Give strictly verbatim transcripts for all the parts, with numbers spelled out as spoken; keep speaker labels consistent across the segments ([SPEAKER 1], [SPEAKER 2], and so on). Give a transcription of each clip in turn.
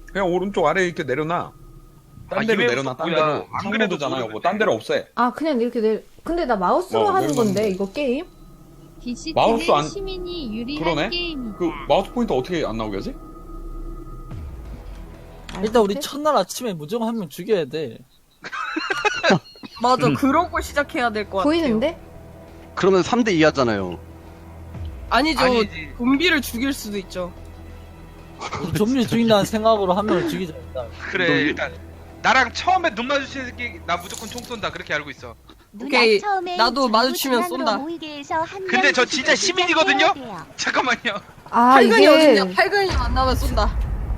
[SPEAKER 1] 그냥 오른쪽 아래 이렇게 내려놔. 딴
[SPEAKER 2] 아,
[SPEAKER 1] 데로
[SPEAKER 2] 이메일
[SPEAKER 1] 내려놔. 딴
[SPEAKER 2] 뭐야.
[SPEAKER 1] 데로.
[SPEAKER 2] 안 그래도
[SPEAKER 1] 상모드잖아.
[SPEAKER 2] 모르는데.
[SPEAKER 1] 요거 딴 데로 없애.
[SPEAKER 3] 아 그냥 이렇게 내. 근데 나 마우스로
[SPEAKER 1] 어,
[SPEAKER 3] 하는
[SPEAKER 1] 내려놓는
[SPEAKER 3] 건데
[SPEAKER 1] 거.
[SPEAKER 3] 이거 게임?
[SPEAKER 1] 마우스
[SPEAKER 4] 디씨티는
[SPEAKER 1] 안-
[SPEAKER 4] 시민이 유리한
[SPEAKER 1] 그러네?
[SPEAKER 4] 게임이다.
[SPEAKER 1] 그 마우스 포인터 어떻게 안 나오게 하지?
[SPEAKER 5] 일단 우리 첫날 아침에 무조건 한 명 죽여야 돼.
[SPEAKER 6] 맞아,
[SPEAKER 1] 음.
[SPEAKER 6] 그러고 시작해야 될 것 같아요.
[SPEAKER 3] 보이는데?
[SPEAKER 7] 그러면 삼 대 이 하잖아요.
[SPEAKER 6] 아니죠,
[SPEAKER 2] 아니지.
[SPEAKER 6] 좀비를 죽일 수도 있죠.
[SPEAKER 5] 좀비 죽인다는 생각으로 한 명을 죽이자 일단.
[SPEAKER 2] 그래
[SPEAKER 7] 너-
[SPEAKER 2] 일단 나랑 처음에 눈 마주치는 새끼 나 무조건 총 쏜다 그렇게 알고 있어.
[SPEAKER 6] 오케이, 나도 마주치면 쏜다.
[SPEAKER 2] 근데 저 진짜 시민이거든요? 잠깐만요.
[SPEAKER 3] 아
[SPEAKER 6] 팔근이
[SPEAKER 3] 이게
[SPEAKER 6] 어딨냐? 팔근이 만나면 쏜다.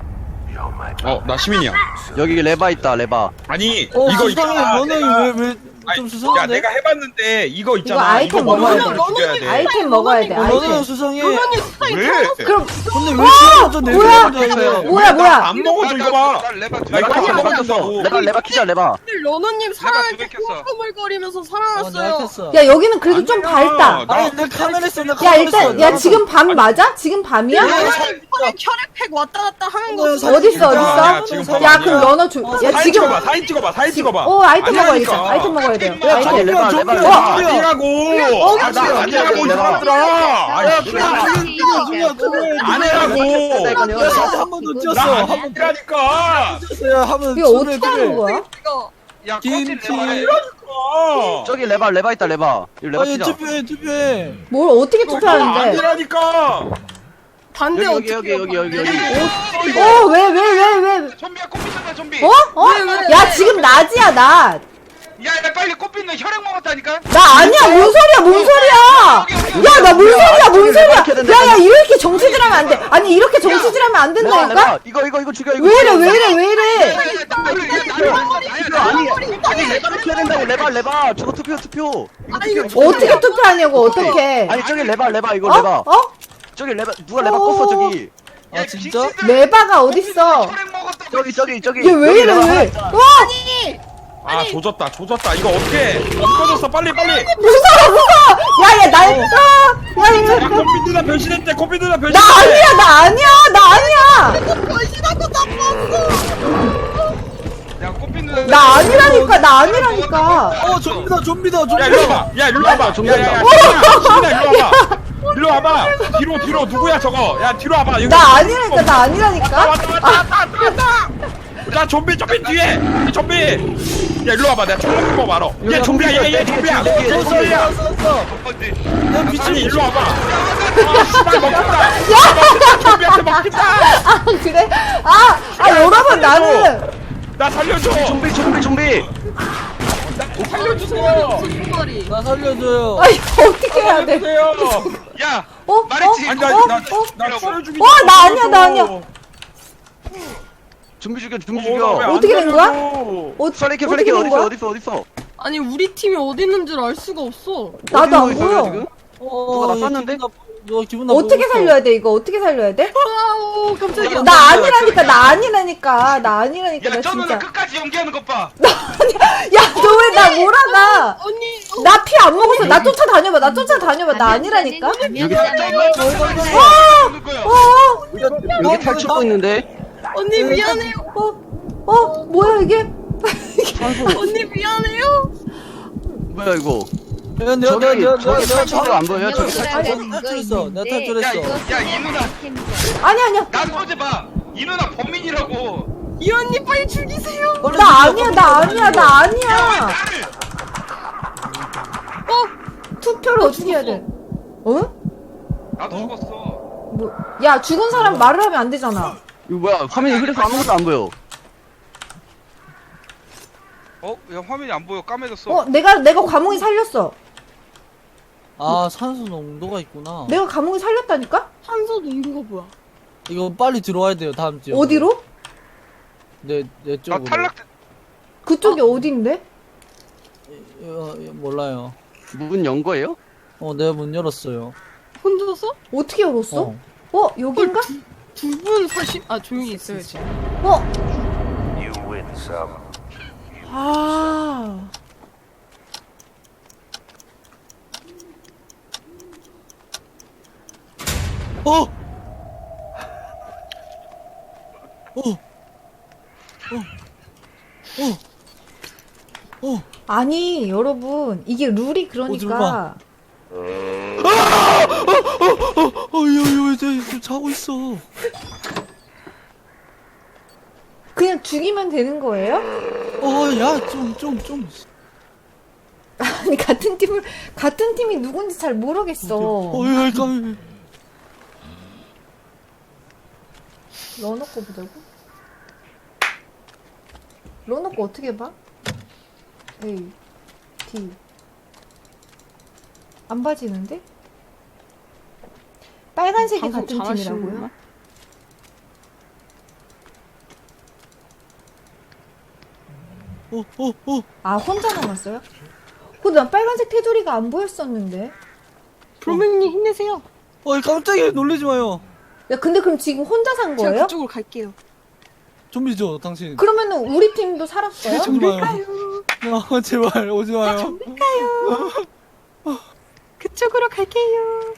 [SPEAKER 1] 어, 나 시민이야.
[SPEAKER 7] 여기 레바 있다, 레바.
[SPEAKER 1] 아니,
[SPEAKER 5] 어
[SPEAKER 1] 이거
[SPEAKER 5] 수상해.
[SPEAKER 1] 있잖아.
[SPEAKER 5] 너는
[SPEAKER 1] 내가-
[SPEAKER 5] 왜왜
[SPEAKER 1] 아니,
[SPEAKER 5] 좀
[SPEAKER 1] 야,
[SPEAKER 5] 수상한데?
[SPEAKER 1] 내가 해봤는데 이거 있잖아.
[SPEAKER 3] 아이템
[SPEAKER 1] 이거
[SPEAKER 3] 먹어야
[SPEAKER 1] 먹는
[SPEAKER 3] 돼.
[SPEAKER 1] 사람을 죽여야 돼.
[SPEAKER 3] 아이템 먹어야 돼.
[SPEAKER 5] 어, 너는
[SPEAKER 3] 아이템.
[SPEAKER 5] 수상해.
[SPEAKER 6] 그러니 스타일
[SPEAKER 1] 왜?
[SPEAKER 3] 그럼
[SPEAKER 5] 근데 왜 시작부터 내
[SPEAKER 3] 뭐야?
[SPEAKER 5] 거야?
[SPEAKER 3] 뭐야 뭐야?
[SPEAKER 1] 안 먹어줘 이거 봐.
[SPEAKER 2] 나 레바 두
[SPEAKER 1] 나
[SPEAKER 2] 개
[SPEAKER 1] 이거
[SPEAKER 2] 켰어.
[SPEAKER 1] 안
[SPEAKER 7] 레바
[SPEAKER 1] 먹었어.
[SPEAKER 7] 켰어. 레바, 레바 키자, 레바.
[SPEAKER 6] 러너님 살아날
[SPEAKER 2] 두개
[SPEAKER 6] 때
[SPEAKER 2] 켰어.
[SPEAKER 6] 꾸물꾸물거리면서
[SPEAKER 5] 어, 내가
[SPEAKER 6] 살아났어요.
[SPEAKER 5] 켰어.
[SPEAKER 3] 야 여기는 그래도 좀
[SPEAKER 1] 아니야.
[SPEAKER 3] 밝다.
[SPEAKER 1] 나-
[SPEAKER 5] 아니 내 카메라 있어. 내
[SPEAKER 3] 야
[SPEAKER 5] 카메라
[SPEAKER 3] 일단
[SPEAKER 5] 있어.
[SPEAKER 3] 야 지금 밤 맞아? 지금 밤이야?
[SPEAKER 6] 야, 혈액 혈액팩 왔다 갔다 하는 거.
[SPEAKER 5] 어,
[SPEAKER 6] 없어.
[SPEAKER 3] 어딨어
[SPEAKER 1] 야,
[SPEAKER 3] 어딨어?
[SPEAKER 1] 지금
[SPEAKER 5] 야,
[SPEAKER 1] 봐봐.
[SPEAKER 3] 야 그럼 러너 줘. 야
[SPEAKER 1] 사진
[SPEAKER 3] 지금
[SPEAKER 1] 찍어봐. 사진 찍어봐. 사진 찍어봐.
[SPEAKER 3] 어 아이템
[SPEAKER 1] 아니라니까.
[SPEAKER 3] 먹어야겠다. 아이템 먹어야 돼요.
[SPEAKER 7] 아니,
[SPEAKER 3] 아이템.
[SPEAKER 7] 레바, 레바,
[SPEAKER 5] 좀비야,
[SPEAKER 7] 레바.
[SPEAKER 1] 아니라고. 아, 나 아니라고 이
[SPEAKER 7] 레바.
[SPEAKER 1] 사람들아. 아니,
[SPEAKER 5] 죽여 죽여.
[SPEAKER 1] 아니라고.
[SPEAKER 5] 한번더
[SPEAKER 1] 나
[SPEAKER 5] 뛰었어. 한번
[SPEAKER 1] 아니라니까.
[SPEAKER 5] 뛰었어요. 한번
[SPEAKER 3] 이거 어떻게 하는 거야?
[SPEAKER 6] 이거
[SPEAKER 2] 야 꺼진
[SPEAKER 5] 김치.
[SPEAKER 2] 레바.
[SPEAKER 1] 어.
[SPEAKER 7] 저기 레바, 레바 있다, 레바. 이 레바
[SPEAKER 5] 아니
[SPEAKER 7] 키자.
[SPEAKER 5] 투표해 투표해.
[SPEAKER 3] 뭘 어떻게 투표하는데?
[SPEAKER 1] 아니라니까.
[SPEAKER 6] 반대
[SPEAKER 7] 여기,
[SPEAKER 6] 어떻게
[SPEAKER 7] 여기, 여기, 여기, 여기.
[SPEAKER 3] 어 왜 왜 왜 왜?
[SPEAKER 2] 좀비야 꽃피잖아 좀비.
[SPEAKER 3] 어? 어? 야 지금 낮이야 낮.
[SPEAKER 2] 야, 야 빨리 꽃피는 혈액 먹었다니까.
[SPEAKER 3] 나 아니야 뭔 소리야 뭔 소리야? 야 나 뭔 소리야 뭔 소리야? 야야 이렇게 정치질하면 안 돼. 아니 이렇게 정치질하면 안
[SPEAKER 7] 레바,
[SPEAKER 3] 된다니까?
[SPEAKER 7] 레바. 이거, 이거, 이거 죽여, 이거.
[SPEAKER 3] 왜 이래
[SPEAKER 7] 죽여.
[SPEAKER 3] 왜 이래 왜 이래?
[SPEAKER 7] 이거 아니, 아니, 레바를 켜야 된다고, 레바, 레바. 저거 투표, 투표. 이거 투표, 투표.
[SPEAKER 3] 어떻게 투표하냐고 어떻게?
[SPEAKER 7] 아니, 저기 레바, 레바, 이거
[SPEAKER 3] 어?
[SPEAKER 7] 레바.
[SPEAKER 3] 어?
[SPEAKER 7] 저기 레바, 누가 레바
[SPEAKER 3] 어.
[SPEAKER 7] 껐어, 저기.
[SPEAKER 5] 아 진짜?
[SPEAKER 3] 레바가 어딨어?
[SPEAKER 2] 혈액 먹었다고.
[SPEAKER 7] 저기, 저기, 저기.
[SPEAKER 3] 얘 왜
[SPEAKER 7] 여기
[SPEAKER 3] 이래
[SPEAKER 7] 레바
[SPEAKER 3] 왜?
[SPEAKER 7] 있잖아.
[SPEAKER 3] 와
[SPEAKER 1] 아, 조졌다. 조졌다. 이거 어떻게? 안 꺼졌어. 빨리 빨리.
[SPEAKER 3] 무서워 무서워. 야야 나 아, 야 이거
[SPEAKER 1] 야, 코피 누나 변신했대. 코피 누나
[SPEAKER 3] 나
[SPEAKER 1] 변신했대.
[SPEAKER 3] 아니야 나 아니야 나 아니야
[SPEAKER 2] 야 꽃피는.
[SPEAKER 3] 나 아니라니까 나 아니라니까.
[SPEAKER 5] 어 좀비다 좀비다
[SPEAKER 1] 야,
[SPEAKER 5] 좀비다.
[SPEAKER 1] 일로 와봐. 야, 일로 와봐.
[SPEAKER 7] 좀
[SPEAKER 1] 야, 야, 야,
[SPEAKER 7] 더.
[SPEAKER 1] 시민아, 일로 와봐. 일로 와봐. 뒤로, 뒤로. 누구야, 저거? 야, 뒤로 와봐. 여기
[SPEAKER 3] 나 아니라니까 나
[SPEAKER 1] 왔다,
[SPEAKER 3] 아니라니까.
[SPEAKER 1] 왔다, 왔다, 왔다, 왔다, 왔다. 야, 좀비, 좀비 뒤에. 좀비. 야, 일로 와봐. 내가 총 먹는 거 말어. 얘 좀비야, 얘, 얘 좀비야.
[SPEAKER 7] 뒤에, 뒤에,
[SPEAKER 1] 뭔 소리야?
[SPEAKER 2] 어디?
[SPEAKER 5] 야 미친.
[SPEAKER 1] 아니, 일로 와봐. 아, 씨발, 먹힌다. 좀비한테 먹힌다.
[SPEAKER 3] 아 그래? 아, 아 여러분 나는
[SPEAKER 1] 나 살려줘.
[SPEAKER 7] 좀비, 좀비, 좀비.
[SPEAKER 1] 나 살려주세요.
[SPEAKER 6] 머리.
[SPEAKER 5] 나 살려줘요.
[SPEAKER 3] 아 이거 어떻게 해야 돼?
[SPEAKER 1] 살려주세요.
[SPEAKER 2] 야
[SPEAKER 3] 어?
[SPEAKER 2] 말했지.
[SPEAKER 1] 아니, 나,
[SPEAKER 3] 어?
[SPEAKER 1] 나,
[SPEAKER 3] 어?
[SPEAKER 1] 나 추월 죽이지.
[SPEAKER 3] 어, 나 아니야, 나 아니야.
[SPEAKER 7] 좀비 죽여, 좀비
[SPEAKER 1] 어,
[SPEAKER 7] 죽여.
[SPEAKER 1] 나왜안
[SPEAKER 3] 어떻게 된 거야?
[SPEAKER 1] 살려줘?
[SPEAKER 3] 어,
[SPEAKER 7] 플래키,
[SPEAKER 3] 어떻게
[SPEAKER 7] 플래키
[SPEAKER 3] 된
[SPEAKER 7] 어딨어,
[SPEAKER 3] 거야?
[SPEAKER 7] 어딨어, 어딨어?
[SPEAKER 6] 아니 우리 팀이 어디 있는 줄 알 수가 없어.
[SPEAKER 3] 나도 안
[SPEAKER 7] 어디 있어요,
[SPEAKER 3] 보여.
[SPEAKER 7] 지금?
[SPEAKER 5] 어,
[SPEAKER 7] 누가 나
[SPEAKER 5] 이거
[SPEAKER 7] 쐈는데?
[SPEAKER 5] 기분 나빠- 너 기분 나빠.
[SPEAKER 3] 어떻게 살려야 돼 이거? 어떻게 살려야 돼?
[SPEAKER 6] 아우 깜짝이야.
[SPEAKER 3] 나 아니라니까 나 아니라니까 나 아니라니까 나
[SPEAKER 2] 야, 저 누나
[SPEAKER 3] 진짜.
[SPEAKER 2] 끝까지 연기하는 것 봐.
[SPEAKER 3] 야 너 왜 나 몰아가?
[SPEAKER 6] 언니. 어,
[SPEAKER 3] 나 피 안 먹었어. 나 쫓아다녀봐. 나 쫓아다녀봐. 나 아니라니까.
[SPEAKER 7] 여기
[SPEAKER 2] 야, 저 누나 저 누나 누나 거야.
[SPEAKER 3] 어,
[SPEAKER 7] 여기 탈출구 있는데?
[SPEAKER 6] 언니 미안해요.
[SPEAKER 3] 어, 어, 뭐야 이게?
[SPEAKER 6] 언니 미안해요.
[SPEAKER 7] 뭐야, 이거?
[SPEAKER 5] 야, 내가
[SPEAKER 7] 저기,
[SPEAKER 5] 내가 내가
[SPEAKER 7] 저기
[SPEAKER 5] 내가
[SPEAKER 7] 탈출구가 안 보여요? 저기
[SPEAKER 5] 탈출- 탈출했어. 내가 탈출했어.
[SPEAKER 2] 야, 이 누나.
[SPEAKER 3] 아니 아니야.
[SPEAKER 2] 나 소재 봐. 이 누나 범인이라고.
[SPEAKER 6] 이 언니 빨리 죽이세요.
[SPEAKER 3] 나 아니야. 나 아니야. 나
[SPEAKER 2] 야, 왜
[SPEAKER 3] 아니야.
[SPEAKER 2] 나를?
[SPEAKER 3] 어? 투표를 어떻게 해야 돼? 어?
[SPEAKER 2] 나도 죽었어.
[SPEAKER 3] 뭐? 야 죽은 사람 말을 하면 안 되잖아.
[SPEAKER 7] 이거 뭐야, 화면이 흐려서 아무것도 안 보여.
[SPEAKER 2] 어? 야 화면이 안 보여. 까매졌어.
[SPEAKER 3] 어, 내가 내가 과몽이 살렸어.
[SPEAKER 5] 아 산소 농도가 있구나.
[SPEAKER 3] 내가 과몽이 살렸다니까?
[SPEAKER 6] 한소 농도가 뭐야?
[SPEAKER 5] 이거 빨리 들어와야 돼요 다음 주에.
[SPEAKER 3] 어디로?
[SPEAKER 5] 내내
[SPEAKER 2] 나
[SPEAKER 5] 쪽으로.
[SPEAKER 2] 탈락.
[SPEAKER 3] 그쪽이 어딘데?
[SPEAKER 5] 어, 예, 몰라요.
[SPEAKER 7] 문 연 거예요?
[SPEAKER 5] 어 내가 문 열었어요.
[SPEAKER 6] 혼자서?
[SPEAKER 3] 어떻게 열었어?
[SPEAKER 5] 어.
[SPEAKER 3] 어, 여긴가?
[SPEAKER 6] 두 분 사실 아 조용히 있어야지.
[SPEAKER 3] 어. 아.
[SPEAKER 5] 어. 어. 어. 어.
[SPEAKER 3] 아니 여러분 이게 룰이 그러니까
[SPEAKER 5] 어이어이 좀 자고 있어.
[SPEAKER 3] 그냥 죽이면 되는 거예요?
[SPEAKER 5] 어야좀 좀 좀.
[SPEAKER 3] 아니 같은 팀을 같은 팀이 누군지 잘 모르겠어.
[SPEAKER 5] 어이 깜.
[SPEAKER 3] 러너 거 보자고? 러너 거 어떻게 봐? A, D 안 봐지는데? 빨간색이
[SPEAKER 6] 방송
[SPEAKER 3] 같은
[SPEAKER 6] 잘하시는구나.
[SPEAKER 3] 팀이라고요?
[SPEAKER 5] 어어 어.
[SPEAKER 3] 아 혼자 남았어요? 근데 난 빨간색 테두리가 안 보였었는데.
[SPEAKER 6] 불명님 힘내세요.
[SPEAKER 5] 어이 깜짝이야 놀라지 마요.
[SPEAKER 3] 야 근데 그럼 지금 혼자 산
[SPEAKER 6] 제가
[SPEAKER 3] 거예요?
[SPEAKER 6] 그쪽으로 갈게요.
[SPEAKER 5] 좀비죠 당신.
[SPEAKER 3] 그러면은 우리 팀도 살았어요?
[SPEAKER 5] 오지 마요. 아 제발 오지 마요.
[SPEAKER 6] 그쪽으로 갈게요.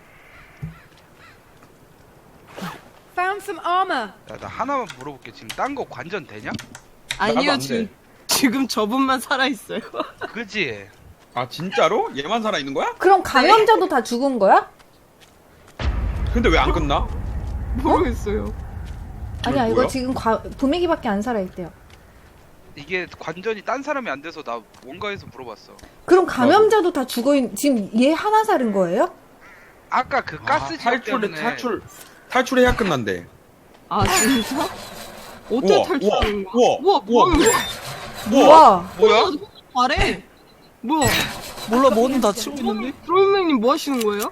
[SPEAKER 6] Found some armor.
[SPEAKER 2] 야, 나 하나만 물어볼게. 지금 딴 거 관전 되냐?
[SPEAKER 1] 나도
[SPEAKER 6] 아니요
[SPEAKER 1] 안 돼.
[SPEAKER 6] 지금 지금 저분만 살아 있어요.
[SPEAKER 2] 그지?
[SPEAKER 1] 아 진짜로? 얘만 살아 있는 거야?
[SPEAKER 3] 그럼 감염자도 다 죽은 거야?
[SPEAKER 1] 근데 왜 안 끝나?
[SPEAKER 6] 모르겠어요.
[SPEAKER 3] 아니야 이거
[SPEAKER 1] 뭐야?
[SPEAKER 3] 지금 과, 도매기밖에 안 살아있대요.
[SPEAKER 2] 이게 관전이 딴 사람이 안 돼서 나 원가에서 물어봤어.
[SPEAKER 3] 그럼 감염자도 다 죽어있 지금 얘 하나 살은 거예요?
[SPEAKER 2] 아까 그 가스
[SPEAKER 1] 아,
[SPEAKER 2] 지역
[SPEAKER 1] 탈출
[SPEAKER 2] 때문에
[SPEAKER 1] 탈출 탈출해야 끝난대.
[SPEAKER 6] 아 진짜? 어떻게
[SPEAKER 1] 우와,
[SPEAKER 6] 탈출하는 거야?
[SPEAKER 1] 우와,
[SPEAKER 6] 우와
[SPEAKER 1] 우와,
[SPEAKER 6] 뭐야?
[SPEAKER 3] 우와
[SPEAKER 2] 뭐야?
[SPEAKER 6] 잘해. 뭐야?
[SPEAKER 5] 몰라 뭐는 다 치고 있는데?
[SPEAKER 6] 드로잉맨님 뭐 하시는 거예요?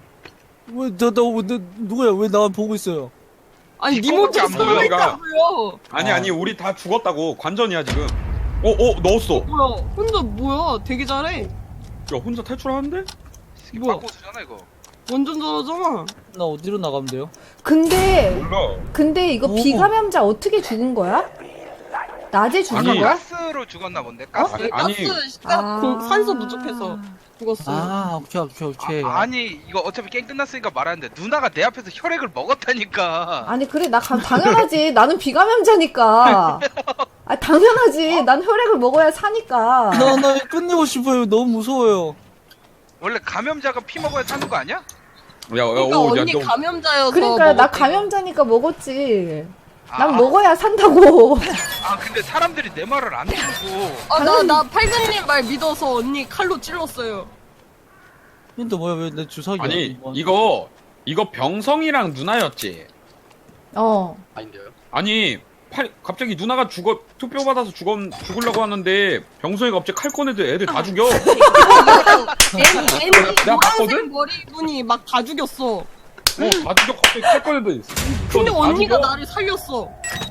[SPEAKER 5] 왜나나 누구야 왜 나 보고 있어요?
[SPEAKER 6] 아니
[SPEAKER 1] 이거밖에
[SPEAKER 6] 니모트
[SPEAKER 1] 안 보여, 얘가.
[SPEAKER 6] 살아있다고요.
[SPEAKER 1] 아니
[SPEAKER 5] 아.
[SPEAKER 1] 아니 우리 다 죽었다고. 관전이야 지금. 어 어 넣었어.
[SPEAKER 6] 뭐야? 혼자 뭐야? 되게 잘해.
[SPEAKER 1] 야 혼자 탈출하는데?
[SPEAKER 2] 이게
[SPEAKER 6] 뭐야?
[SPEAKER 2] 바꿔주잖아 이거.
[SPEAKER 6] 완전 잘하잖아.
[SPEAKER 5] 나 어디로 나가면 돼요?
[SPEAKER 3] 근데
[SPEAKER 1] 몰라.
[SPEAKER 3] 근데 이거
[SPEAKER 5] 오.
[SPEAKER 3] 비감염자 어떻게 죽은 거야? 낮에 죽은
[SPEAKER 1] 아니,
[SPEAKER 3] 거야?
[SPEAKER 2] 가스로 죽었나 본데. 가스.
[SPEAKER 1] 아니, 아니.
[SPEAKER 6] 가스 시작 공- 산소 부족해서 죽었어요.
[SPEAKER 5] 아 오케이 오케이 오케이.
[SPEAKER 2] 아, 아니 이거 어차피 게임 끝났으니까 말하는데 누나가 내 앞에서 혈액을 먹었다니까.
[SPEAKER 3] 아니 그래 나 감, 당연하지 나는 비감염자니까. 아 당연하지 난 혈액을 먹어야 사니까.
[SPEAKER 5] 나나 끝내고 싶어요. 너무 무서워요.
[SPEAKER 2] 원래 감염자가 피 먹어야 사는 거 아니야?
[SPEAKER 1] 야, 야,
[SPEAKER 6] 그러니까
[SPEAKER 1] 오, 야,
[SPEAKER 6] 언니
[SPEAKER 1] 너,
[SPEAKER 6] 감염자여서
[SPEAKER 3] 그러니까 나
[SPEAKER 6] 먹었대.
[SPEAKER 3] 감염자니까 먹었지. 난
[SPEAKER 2] 아,
[SPEAKER 3] 먹어야 산다고.
[SPEAKER 2] 아 근데 사람들이 내 말을 안 듣고.
[SPEAKER 6] 아, 나, 나 팔근님 말 믿어서 언니 칼로 찔렀어요.
[SPEAKER 5] 근데 뭐야 왜 내 주사기?
[SPEAKER 1] 아니 이거 이거 병성이랑 누나였지.
[SPEAKER 3] 어.
[SPEAKER 1] 아니 팔, 갑자기 누나가 죽어 투표 받아서 죽었 죽으려고 하는데 병성이가 갑자기 칼 꺼내도 애들 다 죽여.
[SPEAKER 6] 애니, 애니
[SPEAKER 1] 내가 봤거든?
[SPEAKER 6] 노란색 머리분이 막 다 죽였어.
[SPEAKER 1] 어, 다 죽여 갑자기 칼 꺼내도.
[SPEAKER 6] 근데
[SPEAKER 1] 다
[SPEAKER 6] 언니가
[SPEAKER 1] 죽여.
[SPEAKER 6] 나를 살렸어.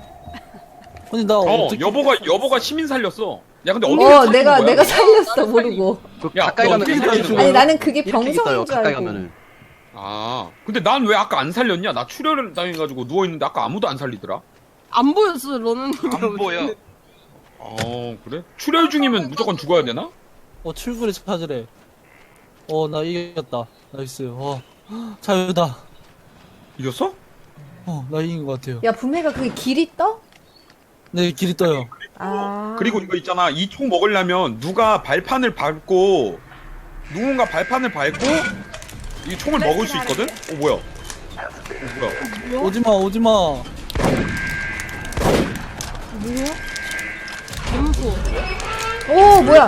[SPEAKER 5] 근데 나
[SPEAKER 1] 어
[SPEAKER 5] 어떻게?
[SPEAKER 1] 여보가 여보가 시민 살렸어. 야 근데 어떻게
[SPEAKER 3] 어
[SPEAKER 1] 살린
[SPEAKER 3] 내가
[SPEAKER 1] 거야?
[SPEAKER 3] 내가 살렸어 모르고.
[SPEAKER 7] 그
[SPEAKER 1] 야,
[SPEAKER 7] 가까이
[SPEAKER 1] 너
[SPEAKER 7] 가면
[SPEAKER 1] 어떻게
[SPEAKER 7] 이렇게
[SPEAKER 1] 살리는
[SPEAKER 7] 떠요.
[SPEAKER 1] 거야?
[SPEAKER 3] 아니 나는 그게
[SPEAKER 7] 이렇게
[SPEAKER 3] 병성인
[SPEAKER 7] 떠요.
[SPEAKER 3] 줄
[SPEAKER 7] 가까이
[SPEAKER 3] 알고.
[SPEAKER 7] 가면은.
[SPEAKER 1] 아 근데 난 왜 아까 안 살렸냐? 나 출혈을 당해가지고 누워 있는데 아까 아무도 안 살리더라.
[SPEAKER 6] 안 보였어, 너는.
[SPEAKER 2] 안 보여.
[SPEAKER 1] 어 그래? 출혈 중이면 무조건 죽어야 되나?
[SPEAKER 5] 어 출구를 찾으래. 어 나 이겼다. 나이스. 어 자유다.
[SPEAKER 1] 이겼어?
[SPEAKER 5] 어 나 이긴 것 같아요.
[SPEAKER 3] 야 분해가 그게 길이 떠?
[SPEAKER 5] 네 길이 떠요.
[SPEAKER 3] 아.
[SPEAKER 1] 그리고 이거 있잖아. 이 총 먹으려면 누가 발판을 밟고 누군가 발판을 밟고 이 총을 먹을 수 있거든? 어 뭐야? 어 뭐야?
[SPEAKER 5] 오지마 오지마.
[SPEAKER 3] 뭐야?
[SPEAKER 6] 재밌어.
[SPEAKER 3] 오 뭐야?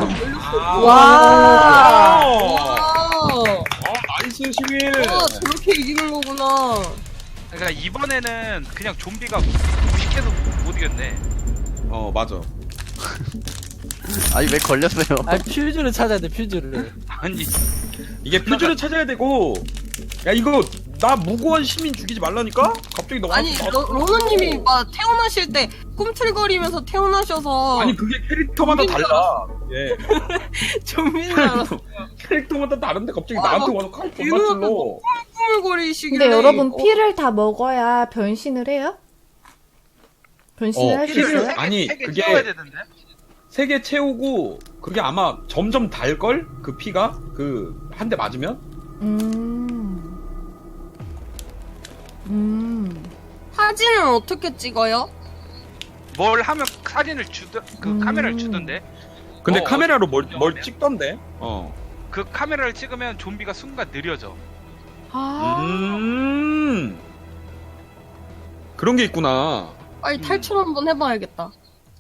[SPEAKER 3] 와.
[SPEAKER 1] 어,
[SPEAKER 6] 아,
[SPEAKER 1] 나이스 시민.
[SPEAKER 6] 아, 저렇게 이기는 거구나.
[SPEAKER 2] 그러니까 이번에는 그냥 좀비가 무식해서 못 이겼네.
[SPEAKER 1] 어 맞아.
[SPEAKER 7] 아니 왜 걸렸어요?
[SPEAKER 5] 아 퓨즈를 찾아야 돼 퓨즈를.
[SPEAKER 2] 아니
[SPEAKER 1] 이게 퓨즈를 찾아야 되고. 야 이거 나 무고한 시민 죽이지 말라니까? 갑자기 너가
[SPEAKER 6] 아니, 러, 로너님이 막 태어나실 때 꿈틀거리면서 태어나셔서
[SPEAKER 1] 아니 그게 캐릭터마다
[SPEAKER 6] 좀비인 줄
[SPEAKER 1] 달라. 예.
[SPEAKER 6] 좀비인 줄 알았어.
[SPEAKER 1] 캐릭터마다 다른데 갑자기
[SPEAKER 6] 아,
[SPEAKER 1] 나한테
[SPEAKER 6] 막
[SPEAKER 1] 와서 칼
[SPEAKER 6] 이러면
[SPEAKER 1] 존나 찔러.
[SPEAKER 6] 또 꾸물거리시길래.
[SPEAKER 3] 근데 여러분
[SPEAKER 6] 어,
[SPEAKER 3] 피를 다 먹어야 변신을 해요? 변신을
[SPEAKER 1] 어,
[SPEAKER 3] 할 수
[SPEAKER 1] 피를-
[SPEAKER 3] 있어요?
[SPEAKER 1] 아니,
[SPEAKER 2] 세개
[SPEAKER 1] 그게-
[SPEAKER 2] 채워야 되는데.
[SPEAKER 1] 세 개 채우고 그게 아마 점점 달걸? 그 피가? 그 한 대 맞으면?
[SPEAKER 3] 음. 음.
[SPEAKER 6] 사진은 어떻게 찍어요?
[SPEAKER 2] 뭘 하면 사진을 주던 그
[SPEAKER 3] 음.
[SPEAKER 2] 카메라를 주던데.
[SPEAKER 1] 근데
[SPEAKER 2] 어,
[SPEAKER 1] 카메라로
[SPEAKER 2] 어디-
[SPEAKER 1] 뭘, 뭘
[SPEAKER 2] 어디야?
[SPEAKER 1] 찍던데? 어.
[SPEAKER 2] 그 카메라를 찍으면 좀비가 순간 느려져.
[SPEAKER 3] 아.
[SPEAKER 1] 음. 그런 게 있구나.
[SPEAKER 6] 빨리 탈출 한번 해봐야겠다.
[SPEAKER 7] 어,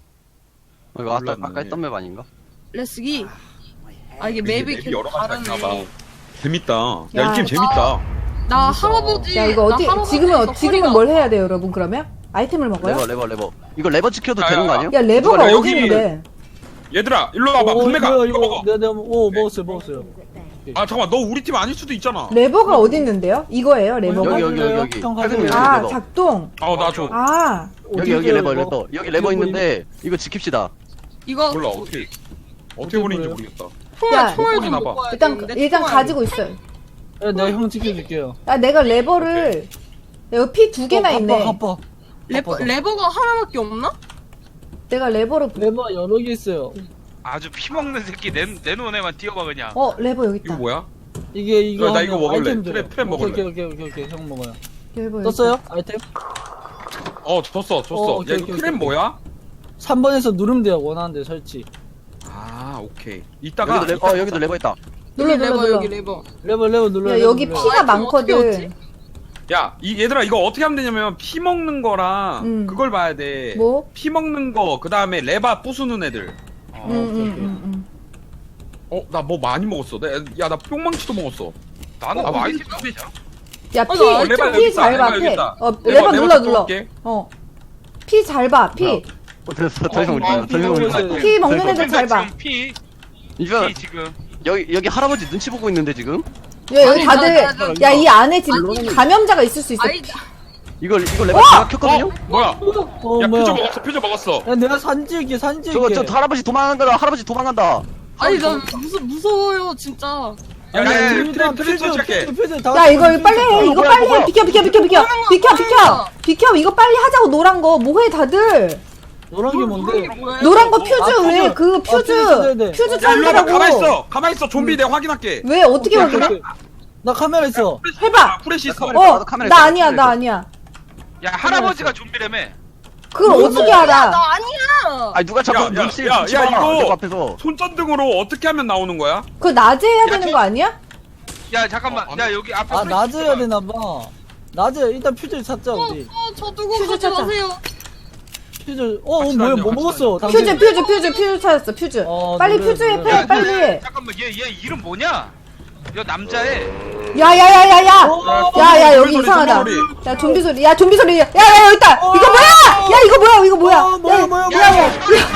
[SPEAKER 7] 이거 아까,
[SPEAKER 1] 몰랐네.
[SPEAKER 7] 아까 했던 맵 아닌가?
[SPEAKER 6] 레스기. 아 이게
[SPEAKER 1] 이게
[SPEAKER 6] 맵이
[SPEAKER 1] 맵이
[SPEAKER 6] 계속
[SPEAKER 1] 여러 가지가 있나 봐.
[SPEAKER 6] 다르네.
[SPEAKER 1] 재밌다. 야,
[SPEAKER 3] 야,
[SPEAKER 1] 이 게임 재밌다.
[SPEAKER 6] 나 할아버지.
[SPEAKER 3] 야 이거
[SPEAKER 6] 나
[SPEAKER 3] 어떻게
[SPEAKER 6] 할아버지에서
[SPEAKER 3] 지금은 어- 지금은
[SPEAKER 6] 허리가
[SPEAKER 3] 뭘 해야 돼요, 여러분? 그러면 아이템을 먹어요?
[SPEAKER 7] 레버 레버 레버 이거 레버 지켜도
[SPEAKER 1] 야,
[SPEAKER 7] 되는
[SPEAKER 1] 야,
[SPEAKER 7] 거 아니야?
[SPEAKER 3] 야 레버가
[SPEAKER 1] 누가
[SPEAKER 3] 어디
[SPEAKER 1] 여기-
[SPEAKER 3] 있는데?
[SPEAKER 1] 얘들아, 일로 와봐.
[SPEAKER 5] 어,
[SPEAKER 1] 분매가
[SPEAKER 5] 뭐야,
[SPEAKER 1] 이거 먹어.
[SPEAKER 5] 내가 내가 오 먹었어요 먹었어요.
[SPEAKER 1] 아, 잠깐만. 너 우리 팀 아닐 수도 있잖아.
[SPEAKER 3] 레버가 어디 있는데요? 이거예요, 레버가?
[SPEAKER 7] 여기 여기 여기 여기
[SPEAKER 5] 형
[SPEAKER 7] 팔백육
[SPEAKER 5] 가져요.
[SPEAKER 3] 아
[SPEAKER 7] 레버.
[SPEAKER 3] 작동.
[SPEAKER 1] 어, 나 줘.
[SPEAKER 3] 아
[SPEAKER 7] 여기 여기 레버 레버 여기 레버 있는데 이거 지킵시다.
[SPEAKER 6] 이거
[SPEAKER 1] 몰라, 어떻게. 어떻게 보는지 모르겠다.
[SPEAKER 6] 총알
[SPEAKER 3] 야,
[SPEAKER 6] 총알 좀
[SPEAKER 1] 폰이나 봐.
[SPEAKER 6] 먹고 와야
[SPEAKER 3] 일단
[SPEAKER 6] 되는데,
[SPEAKER 3] 일단
[SPEAKER 6] 총알.
[SPEAKER 3] 가지고 있어요.
[SPEAKER 5] 야, 내가 형 지켜줄게요.
[SPEAKER 3] 야 내가 레버를 여기 피 두 개나
[SPEAKER 5] 어,
[SPEAKER 3] 있네.
[SPEAKER 5] 갚아, 갚아.
[SPEAKER 6] 레버
[SPEAKER 5] 갚아.
[SPEAKER 6] 레버가 하나밖에 없나?
[SPEAKER 3] 내가 레버를
[SPEAKER 5] 레버 여러 개 있어요.
[SPEAKER 2] 아주 피 먹는 새끼 내 내놓은 애만 뛰어봐 그냥.
[SPEAKER 3] 어 레버 여기
[SPEAKER 1] 이거
[SPEAKER 3] 있다.
[SPEAKER 1] 뭐야?
[SPEAKER 5] 이게 이거
[SPEAKER 1] 야, 나
[SPEAKER 5] 하면
[SPEAKER 1] 이거 먹을래.
[SPEAKER 5] 아이템 줘요.
[SPEAKER 1] 프레- 프레 먹을래.
[SPEAKER 5] 오케이 오케이 오케이 오케이, 오케이. 형 먹어요.
[SPEAKER 3] 레버 여기
[SPEAKER 5] 떴어요?
[SPEAKER 3] 있다.
[SPEAKER 5] 아이템?
[SPEAKER 1] 어, 줬어, 줬어.
[SPEAKER 5] 어,
[SPEAKER 1] 야,
[SPEAKER 5] 오케이,
[SPEAKER 1] 이거
[SPEAKER 5] 오케이,
[SPEAKER 1] 크랩
[SPEAKER 5] 오케이.
[SPEAKER 1] 뭐야?
[SPEAKER 5] 삼 번에서 누르면 돼요. 원하는 데 설치.
[SPEAKER 1] 아, 오케이. 이따가.
[SPEAKER 7] 여기도 레버 어 여기도 레버 있다.
[SPEAKER 3] 눌러
[SPEAKER 6] 여기
[SPEAKER 3] 눌러
[SPEAKER 6] 레버
[SPEAKER 3] 눌러.
[SPEAKER 6] 여기 레버.
[SPEAKER 5] 레버 레버 눌러요.
[SPEAKER 3] 야
[SPEAKER 5] 레버
[SPEAKER 3] 여기
[SPEAKER 5] 눌러요.
[SPEAKER 3] 피가
[SPEAKER 6] 아이템 어떻게
[SPEAKER 3] 많거든.
[SPEAKER 6] 얻지?
[SPEAKER 1] 야, 이, 얘들아, 이거 어떻게 하면 되냐면, 피 먹는 거랑,
[SPEAKER 3] 음.
[SPEAKER 1] 그걸 봐야 돼.
[SPEAKER 3] 뭐?
[SPEAKER 1] 피 먹는 거, 그 다음에 레바 부수는 애들.
[SPEAKER 2] 어,
[SPEAKER 3] 응응응응.
[SPEAKER 1] 어, 나 뭐 많이 먹었어. 나, 야, 나 뿅망치도 먹었어.
[SPEAKER 2] 나는
[SPEAKER 1] 어,
[SPEAKER 2] 뭐
[SPEAKER 1] 아,
[SPEAKER 2] 아이템 없냐?
[SPEAKER 3] 야
[SPEAKER 6] 어,
[SPEAKER 3] 피
[SPEAKER 6] 나
[SPEAKER 1] 레버 여기
[SPEAKER 3] 피
[SPEAKER 1] 있다,
[SPEAKER 3] 잘
[SPEAKER 1] 레버
[SPEAKER 3] 봐.
[SPEAKER 1] 여기
[SPEAKER 3] 피.
[SPEAKER 1] 있다.
[SPEAKER 3] 어
[SPEAKER 1] 레버,
[SPEAKER 3] 레버
[SPEAKER 1] 레버
[SPEAKER 3] 눌러
[SPEAKER 1] 갖고
[SPEAKER 3] 눌러.
[SPEAKER 1] 올게.
[SPEAKER 3] 어. 피 잘 봐. 피.
[SPEAKER 7] 어 됐어 더 이상
[SPEAKER 5] 어,
[SPEAKER 7] 올리지 마.
[SPEAKER 5] 어,
[SPEAKER 7] 더 이상 올리지 마.
[SPEAKER 5] 피
[SPEAKER 3] 피 먹는
[SPEAKER 7] 됐어.
[SPEAKER 3] 애들 잘 봐.
[SPEAKER 2] 지금 피,
[SPEAKER 7] 이거
[SPEAKER 2] 피 지금.
[SPEAKER 7] 여기 여기 할아버지 눈치 보고 있는데 지금
[SPEAKER 3] 야 여기
[SPEAKER 6] 아니,
[SPEAKER 3] 다들
[SPEAKER 6] 나- 나- 나-
[SPEAKER 3] 야 이 안에 지금
[SPEAKER 6] 아니.
[SPEAKER 3] 감염자가 있을 수 있어.
[SPEAKER 6] 아이
[SPEAKER 7] 이거 이거 레버 제가 켰거든요.
[SPEAKER 1] 어, 뭐야?
[SPEAKER 5] 어
[SPEAKER 1] 야,
[SPEAKER 5] 뭐야?
[SPEAKER 1] 표저 먹었어, 표저 먹었어.
[SPEAKER 5] 야 내가 사진 찍을게 사진
[SPEAKER 7] 저거
[SPEAKER 5] 찍을게.
[SPEAKER 7] 저 할아버지 도망간다. 할아버지 도망간다.
[SPEAKER 6] 아니 나 무서 무서워요 진짜.
[SPEAKER 1] 야,
[SPEAKER 5] 아니,
[SPEAKER 1] 야, 야,
[SPEAKER 5] 일단
[SPEAKER 1] 트랩, 트랩
[SPEAKER 5] 퓨즈,
[SPEAKER 1] 설치할게.
[SPEAKER 5] 퓨즈, 퓨즈 다
[SPEAKER 3] 야 이거
[SPEAKER 5] 퓨즈
[SPEAKER 3] 빨리 해.
[SPEAKER 7] 이거
[SPEAKER 3] 이거
[SPEAKER 7] 뭐야,
[SPEAKER 3] 빨리
[SPEAKER 7] 이거
[SPEAKER 3] 해.
[SPEAKER 7] 뭐야?
[SPEAKER 3] 비켜 비켜 비켜 비켜 비켜 비켜 비켜. 이거 빨리 하자고. 노란 거 뭐해 다들.
[SPEAKER 5] 노란 게 뭔데?
[SPEAKER 6] 뭐예요?
[SPEAKER 3] 노란 거 퓨즈
[SPEAKER 5] 아,
[SPEAKER 3] 왜
[SPEAKER 5] 퓨즈.
[SPEAKER 3] 그
[SPEAKER 5] 아, 퓨즈 찾아야
[SPEAKER 3] 퓨즈
[SPEAKER 5] 돼.
[SPEAKER 3] 퓨즈
[SPEAKER 1] 야, 일로 와봐. 가만히
[SPEAKER 3] 찾으라고.
[SPEAKER 1] 있어. 가만히 있어. 좀비 내가 확인할게.
[SPEAKER 3] 왜 어떻게
[SPEAKER 5] 오케이,
[SPEAKER 3] 확인해?
[SPEAKER 5] 오케이. 나 카메라 있어.
[SPEAKER 3] 해봐.
[SPEAKER 1] 프레시 있어.
[SPEAKER 7] 카메라
[SPEAKER 3] 어,
[SPEAKER 7] 나도 카메라
[SPEAKER 3] 나
[SPEAKER 7] 있어,
[SPEAKER 3] 아니야,
[SPEAKER 7] 카메라
[SPEAKER 3] 나
[SPEAKER 7] 있어.
[SPEAKER 3] 아니야.
[SPEAKER 2] 야 할아버지가 좀비라며.
[SPEAKER 3] 그걸
[SPEAKER 5] 뭐야?
[SPEAKER 3] 어떻게
[SPEAKER 6] 야,
[SPEAKER 3] 알아?
[SPEAKER 6] 나 아니야.
[SPEAKER 7] 아니 누가 자꾸
[SPEAKER 1] 야, 야,
[SPEAKER 7] 눈치
[SPEAKER 1] 야,
[SPEAKER 7] 눈치
[SPEAKER 1] 야,
[SPEAKER 7] 봐.
[SPEAKER 1] 이거-
[SPEAKER 7] 레버 앞에서.
[SPEAKER 1] 손전등으로 어떻게 하면 나오는 거야?
[SPEAKER 3] 그거 낮에 해야 되는
[SPEAKER 2] 저-
[SPEAKER 3] 거 아니야?
[SPEAKER 2] 야 잠깐만.
[SPEAKER 1] 어, 안
[SPEAKER 2] 야 여기 앞에.
[SPEAKER 5] 아
[SPEAKER 2] 프레시
[SPEAKER 5] 낮에 해야
[SPEAKER 2] 있어봐.
[SPEAKER 5] 되나 봐. 낮에 일단 퓨즈 찾자
[SPEAKER 6] 어,
[SPEAKER 5] 우리.
[SPEAKER 6] 어, 저 두고
[SPEAKER 3] 퓨즈
[SPEAKER 6] 가지
[SPEAKER 3] 찾자.
[SPEAKER 6] 마세요.
[SPEAKER 5] 퓨즈. 어, 어
[SPEAKER 1] 같이
[SPEAKER 5] 뭐야
[SPEAKER 1] 다녀,
[SPEAKER 5] 뭐
[SPEAKER 1] 같이
[SPEAKER 5] 먹었어?
[SPEAKER 1] 다녀.
[SPEAKER 3] 퓨즈,
[SPEAKER 5] 당신.
[SPEAKER 3] 퓨즈, 퓨즈, 퓨즈 찾았어, 퓨즈.
[SPEAKER 5] 어,
[SPEAKER 3] 빨리
[SPEAKER 5] 노래,
[SPEAKER 3] 퓨즈에
[SPEAKER 5] 노래.
[SPEAKER 3] 패,
[SPEAKER 2] 야,
[SPEAKER 3] 빨리.
[SPEAKER 2] 야, 잠깐만 얘 얘 이름 뭐냐? 야 남자애.
[SPEAKER 3] 야, 야, 야, 야, 야.
[SPEAKER 5] 어,
[SPEAKER 3] 야, 야, 여기
[SPEAKER 1] 좀비 소리,
[SPEAKER 3] 이상하다.
[SPEAKER 1] 좀비 소리.
[SPEAKER 3] 야, 좀비 소리. 야, 좀비 소리. 야, 야, 여기 있다. 이거 뭐야? 야, 이거 뭐야? 이거 뭐야?
[SPEAKER 5] 어, 뭐야,
[SPEAKER 3] 야,
[SPEAKER 5] 뭐야,
[SPEAKER 3] 야,
[SPEAKER 5] 뭐야.
[SPEAKER 3] 야, 야.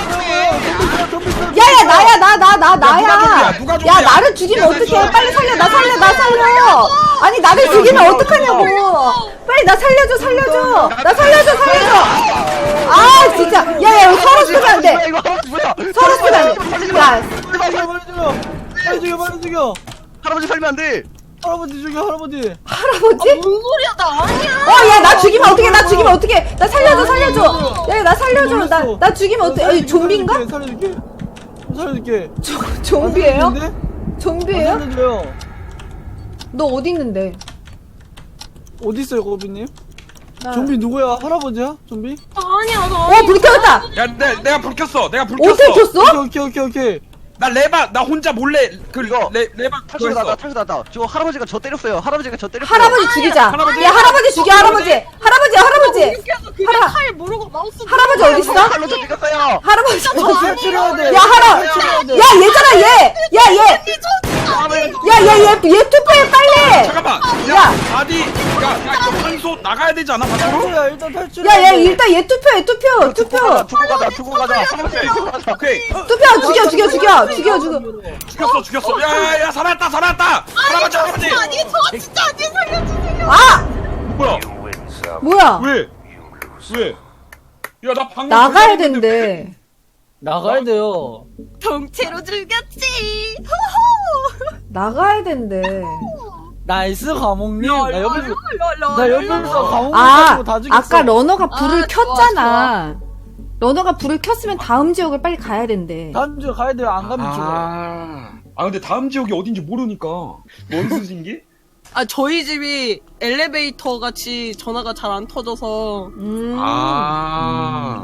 [SPEAKER 3] 야, 야, 나야, 나, 나, 나, 나야.
[SPEAKER 1] 누가 좀비야? 누가
[SPEAKER 3] 야,
[SPEAKER 1] 좀비야?
[SPEAKER 3] 나를 죽이면 어떡해? 빨리 살려, 나 살려, 나 살려. 아니, 나를 죽이면 어떡하냐고. 빨리 나 살려줘, 살려줘. 나 살려줘, 살려줘. 아, 진짜. 야, 야, 여기 서로 쓰면 안 돼.
[SPEAKER 7] 뭐야 이거 할아버지 뭐야?
[SPEAKER 3] 서로 쓰면 안 돼. 야,
[SPEAKER 5] 빨리 죽여 빨리 죽여 빨리 죽여.
[SPEAKER 7] 할아버지 살면 안 돼.
[SPEAKER 5] 할아버지 죽여 할아버지.
[SPEAKER 3] 할아버지?
[SPEAKER 6] 뭔 소리야 나 아니야.
[SPEAKER 3] 어, 야, 나 죽이면 어떡해, 나 죽이면 어떡해. 나 살려줘, 살려줘. 야, 나 살려줘. 나, 나 죽이면 어떡해. 아니, 좀비인가?
[SPEAKER 5] 살려줄게. 살려줄게.
[SPEAKER 3] 조- 좀비예요?
[SPEAKER 5] 살려줄게.
[SPEAKER 3] 좀비예요?
[SPEAKER 5] 살려줘요.
[SPEAKER 3] 너 어디 있는데?
[SPEAKER 5] 어디 있어요 고비님?
[SPEAKER 3] 나-
[SPEAKER 5] 좀비 누구야? 할아버지야? 좀비?
[SPEAKER 6] 나 아니야 나.
[SPEAKER 3] 어, 불 켜졌다.
[SPEAKER 1] 야, 내, 내가 불 켰어. 내가 불 켰어.
[SPEAKER 3] 어떻게 켰어?
[SPEAKER 5] 오케이 오케이 오케이 오케이.
[SPEAKER 1] 나 레바, 나 혼자 몰래 그
[SPEAKER 7] 이거
[SPEAKER 1] 레, 레바
[SPEAKER 7] 탈출
[SPEAKER 1] 그거
[SPEAKER 7] 나다
[SPEAKER 1] 했어.
[SPEAKER 7] 탈출 나다. 저 할아버지가 저 때렸어요. 할아버지가 저 때렸어요.
[SPEAKER 3] 할아버지 죽이자.
[SPEAKER 1] 할아버지.
[SPEAKER 3] 야, 할아버지 죽여, 할아버지. 할아버지, 할아버지.
[SPEAKER 6] 이렇게해서 그냥
[SPEAKER 3] 할아-
[SPEAKER 6] 칼 모르고 마우스.
[SPEAKER 3] 할아버지 어디 있어?
[SPEAKER 7] 칼로 저 죽였어요.
[SPEAKER 3] 할아버지.
[SPEAKER 5] 탈출해야 돼.
[SPEAKER 3] 야, 할아.
[SPEAKER 5] 탈출해야 돼.
[SPEAKER 3] 야, 얘잖아, 얘. 야, 얘. 야, 얘, 얘, 얘 투표해, 빨리.
[SPEAKER 1] 잠깐만.
[SPEAKER 3] 야.
[SPEAKER 1] 야, 아디. 야, 야, 이거 한소 나가야 되지 않아? 밖으로?
[SPEAKER 5] 탈출해야 일단 탈출.
[SPEAKER 3] 야, 얘 일단 얘 투표해, 투표,
[SPEAKER 7] 두고
[SPEAKER 3] 투표.
[SPEAKER 7] 가자. 두고 가자. 두고 가자. 할아버지 두고 가자.
[SPEAKER 1] 오케이.
[SPEAKER 3] 투표, 죽여, 죽여, 죽여. 죽여, 죽여.
[SPEAKER 1] 죽였어, 죽였어. 야, 야, 야, 살았다, 살았다. 할아버지, 할아버지.
[SPEAKER 6] 아니 저 진짜 아니 살려주세요.
[SPEAKER 3] 아!
[SPEAKER 1] 뭐야?
[SPEAKER 3] 뭐야?
[SPEAKER 1] 왜? 왜? 야, 나 방금
[SPEAKER 3] 나가야
[SPEAKER 1] 걸렸는데
[SPEAKER 3] 된대.
[SPEAKER 5] 나가야 돼요.
[SPEAKER 6] 경체로 죽였지. 호호.
[SPEAKER 3] 나가야 된대.
[SPEAKER 5] 나이스 과목님. 나 옆에서
[SPEAKER 6] 롤롤롤.
[SPEAKER 5] 나 옆에서 과목
[SPEAKER 3] 아,
[SPEAKER 5] 가지고 다 죽였어.
[SPEAKER 3] 아까 러너가 불을
[SPEAKER 6] 아,
[SPEAKER 3] 켰잖아. 러너가 불을 켰으면 다음 지역을 빨리 가야 된대.
[SPEAKER 5] 다음 주에 가야 돼요. 안 가면 죽어.
[SPEAKER 1] 아. 아, 근데 다음 지역이 어딘지 모르니까. 뭔 수신기?
[SPEAKER 6] 아 저희 집이 엘리베이터 같이 전화가 잘 안 터져서
[SPEAKER 3] 음.
[SPEAKER 1] 아.